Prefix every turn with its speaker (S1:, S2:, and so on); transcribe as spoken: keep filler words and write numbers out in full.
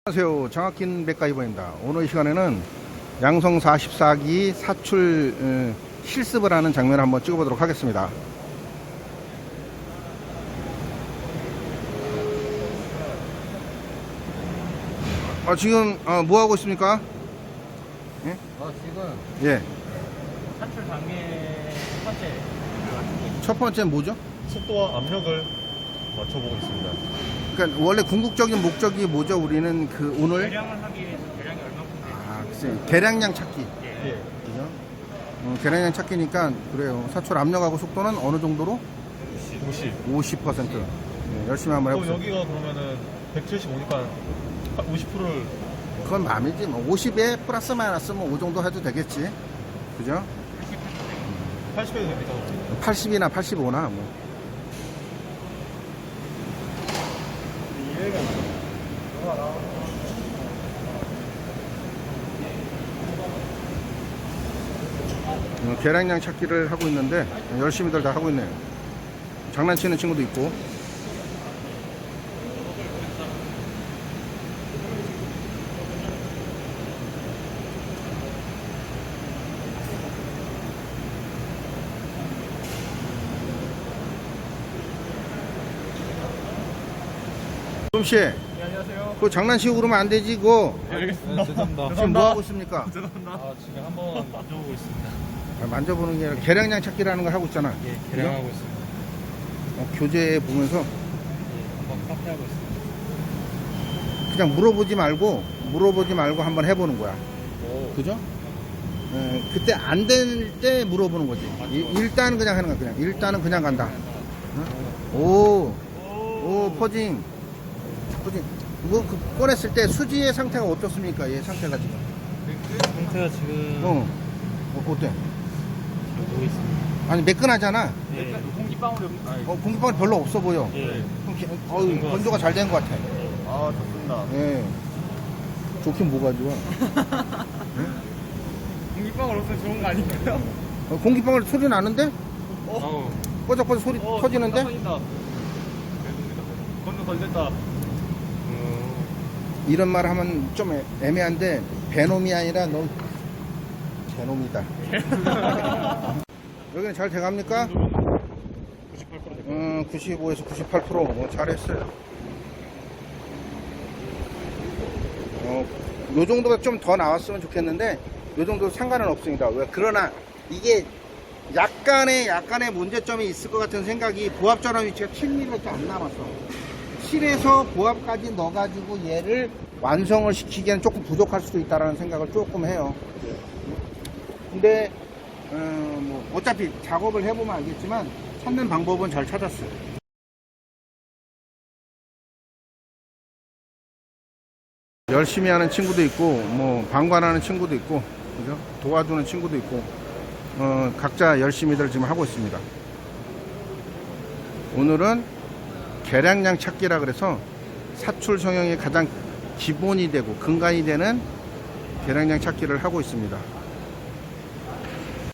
S1: 안녕하세요. 정학긴 백가이버입니다. 오늘 이 시간에는 양성 사십사 기 사출 어, 실습을 하는 장면을 한번 찍어보도록 하겠습니다. 아, 지금 어, 뭐 하고 있습니까? 예?
S2: 어, 지금
S1: 예.
S2: 산출 단계 첫 번째
S1: 첫 번째 뭐죠?
S3: 속도와 압력을 맞춰보고 있습니다.
S1: 그러니까 원래 궁극적인 목적이 뭐죠? 우리는 그 오늘
S2: 계량을 하기 위해서 계량이 얼마큼 되는지.
S1: 아, 글쎄 계량량 찾기.
S2: 예.
S3: 예.
S1: 그죠? 어, 계량량 찾기니까 그래요. 사출 압력하고 속도는 어느 정도로?
S3: 오십.
S1: 오십 퍼센트. 네, 열심히 한번
S3: 그럼
S1: 해보세요.
S3: 여기가 그러면은 백칠십오니까 오십 퍼센트를
S1: 그건 맘이지. 뭐 오십에 플러스 마이너스 뭐 오 정도 해도 되겠지. 그죠?
S3: 팔십 해도 됩니까?
S1: 팔십이나 팔십오나 뭐. 어, 계량량 찾기를 하고 있는데 열심히들 다 하고 있네요. 장난치는 친구도 있고. 좀씨,
S2: 네, 안녕하세요.
S1: 그거 장난치고 그러면 안 되지. 그거
S2: 네, 알겠습니다.
S3: 죄송합니다.
S1: 지금 뭐 하고 있습니까?
S2: 죄송합니다.
S3: 아, 지금 한번 만져보고 있습니다.
S1: 아, 만져보는 게 아니라 계량량 찾기라는 걸 하고 있잖아.
S2: 예, 계량하고 있습니다.
S1: 어, 교재 보면서
S2: 예, 한번 카페하고 있습니다.
S1: 그냥 물어보지 말고 물어보지 말고 한번 해보는 거야.
S2: 오.
S1: 그죠? 에, 그때 안 될 때 물어보는 거지. 이- 일단은 그냥 하는 거야. 그냥 일단은 그냥 간다. 어? 오, 오 포징, 포징. 뭐 그, 꺼냈을 때 수지의 상태가 어떻습니까? 얘 상태가 지금.
S2: 상태가 지금
S1: 어, 어 어때?
S2: 보고 있습니다.
S1: 아니 매끈하잖아.
S2: 예. 공기방울이 없. 아니,
S1: 어, 공기방울 별로 없어 보여.
S2: 예.
S1: 어유 건조가 잘 된 것 같아.
S3: 아, 좋습니다.
S1: 예. 좋긴 뭐가 좋아.
S2: 공기방울 없으면 좋은 거 아닌가요?
S1: 어, 공기방울 소리 나는데?
S2: 어.
S1: 뻐적뻐적 소리
S2: 어,
S1: 터지는데?
S2: 터진다. 건조 걸렸다.
S1: 이런 말 하면 좀 애- 애매한데 배놈이 아니라 너 개놈이다. 여기는 잘 돼갑니까?
S2: 구십팔 퍼센트
S1: 음, 구십오에서 구십팔 퍼센트 뭐 잘했어요. 어, 요 정도가 좀 더 나왔으면 좋겠는데 요 정도 상관은 없습니다. 왜? 그러나 이게 약간의 약간의 문제점이 있을 것 같은 생각이 보합 전원 위치가 칠 밀리미터밖에 안 남았어. 칠에서 보합까지 넣어가지고 얘를 완성을 시키기에는 조금 부족할 수도 있다라는 생각을 조금 해요. 근데 어, 뭐 어차피 작업을 해보면 알겠지만 찾는 방법은 잘 찾았어요. 열심히 하는 친구도 있고 뭐 방관하는 친구도 있고 그죠? 도와주는 친구도 있고 어, 각자 열심히들 지금 하고 있습니다. 오늘은 계량량 찾기라 그래서 사출 성형이 가장 기본이 되고 근간이 되는 계량량 찾기를 하고 있습니다.